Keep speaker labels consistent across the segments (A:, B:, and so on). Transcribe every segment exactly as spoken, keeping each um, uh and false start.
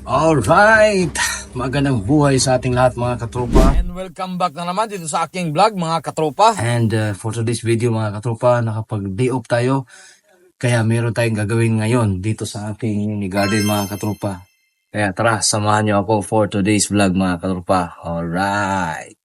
A: Alright, magandang buhay sa ating lahat mga katropa.
B: And welcome back na naman dito sa aking vlog mga katropa.
A: And uh, for today's video mga katropa, nakapag-day off tayo. Kaya meron tayong gagawin ngayon dito sa aking mini garden mga katropa. Kaya tara, samahan nyo ako for today's vlog mga katropa. Alright.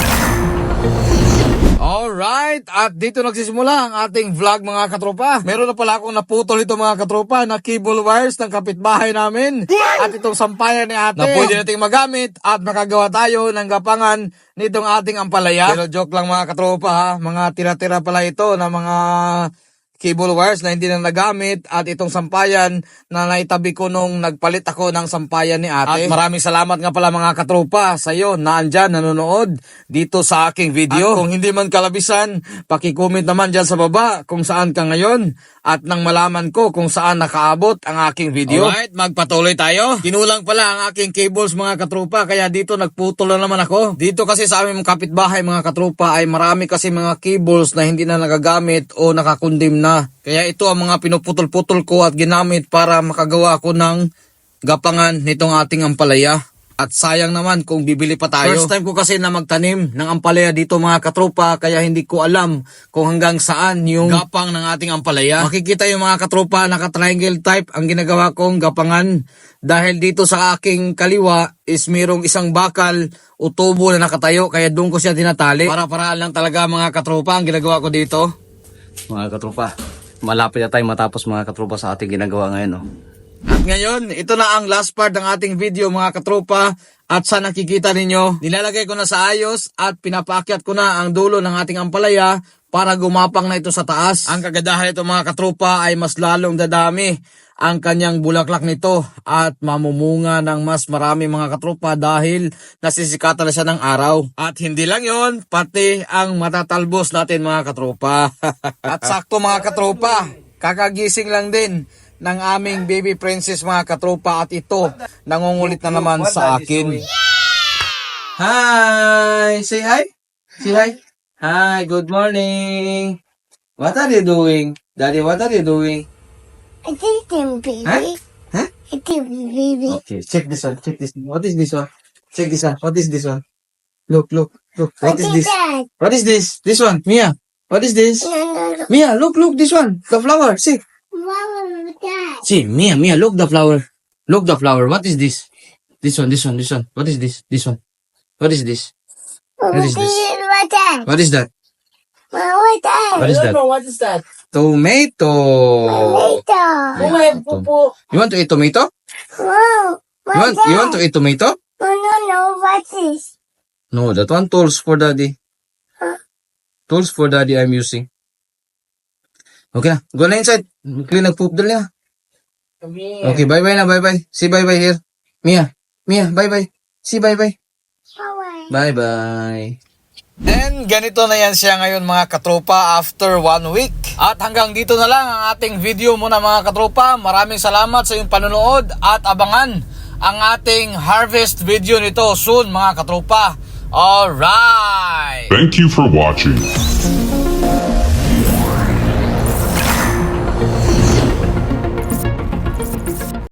B: Alright, at dito nagsisimula ang ating vlog mga katropa. Meron na pala akong naputol ito mga katropa na cable wires ng kapitbahay namin. At itong sampayan ni ate na pwede nating magamit at makagawa tayo ng gapangan nitong ating ampalaya. Pero joke lang mga katropa ha, mga tira-tira pala ito na mga cable wires na hindi na nagamit at itong sampayan na naitabi ko nung nagpalit ako ng sampayan ni ate. At maraming salamat nga pala mga katropa sa iyo na andyan nanonood dito sa aking video. At kung hindi man kalabisan, paki-comment naman dyan sa baba kung saan ka ngayon at nang malaman ko kung saan nakaabot ang aking video. Alright, magpatuloy tayo. Kinulang pala ang aking cables mga katropa kaya dito nagputol na naman ako. Dito kasi sa aming kapitbahay mga katropa ay marami kasi mga cables na hindi na nagagamit o nakakundim na. Kaya ito ang mga pinuputol-putol ko at ginamit para makagawa ako ng gapangan nitong ating ampalaya. At sayang naman kung bibili pa tayo. First time ko kasi na magtanim ng ampalaya dito mga katropa kaya hindi ko alam kung hanggang saan yung gapang ng ating ampalaya. Makikita yung mga katropa naka-triangle type ang ginagawa kong gapangan. Dahil dito sa aking kaliwa is mayroong isang bakal o tubo na nakatayo kaya doon ko siya tinatali. Para-paraan lang talaga mga katropa ang ginagawa ko dito.
A: Mga katropa, malapit na tayo matapos mga katropa sa ating ginagawa ngayon. No?
B: At ngayon, ito na ang last part ng ating video mga katropa. At sa nakikita ninyo, nilalagay ko na sa ayos at pinapaakyat ko na ang dulo ng ating ampalaya para gumapang na ito sa taas. Ang kagandahan nito mga katropa ay mas lalong dadami ang kanyang bulaklak nito at mamumunga ng mas marami mga katropa dahil nasisikatan na siya ng araw. At hindi lang yon, pati ang matatalbos natin mga katropa. At sakto mga katropa, kakagising lang din ng aming baby princess mga katropa at ito nangungulit na naman sa akin. Hi! Say hi! Say hi! Hi! Good morning! What are you doing? Daddy, what are you doing?
C: I think him, baby.
B: Huh? Huh?
C: I think baby.
B: Okay, check this one. Check this one. What is this one? Check this one. What is this one? Look, look, look. What is this?
C: That?
B: What is this? This one, Mia. What is this?
C: No, no, no.
B: Mia, look, look. This one. The flower. See.
C: What was that?
B: See, Mia, Mia. Look the flower. Look the flower. What is this? This one. This one. This one. What is this? This one. What is this?
C: What
B: What is this?
C: What that?
B: What is that?
C: What was that?
B: What is that?
D: What is that?
B: Tomato.
C: Tomato.
D: Oh my pupu.
B: You want to eat tomato?
C: Whoa. What
B: You want?
C: that?
B: You want to eat tomato?
C: No, no, no. What's this?
B: No, that one tools for daddy.
C: Huh?
B: Tools for daddy I'm using. Okay na. Go na inside. Clean nag-poop dali ha. Okay, bye-bye na, bye-bye. See bye-bye here. Mia. Mia, bye-bye. See bye-bye.
C: Bye.
B: Bye-bye. And ganito na yan siya ngayon mga katropa after one week. At hanggang dito na lang ang ating video muna mga katropa. Maraming salamat sa iyong panonood at abangan ang ating harvest video nito soon mga katropa. Alright!
E: Thank you for watching.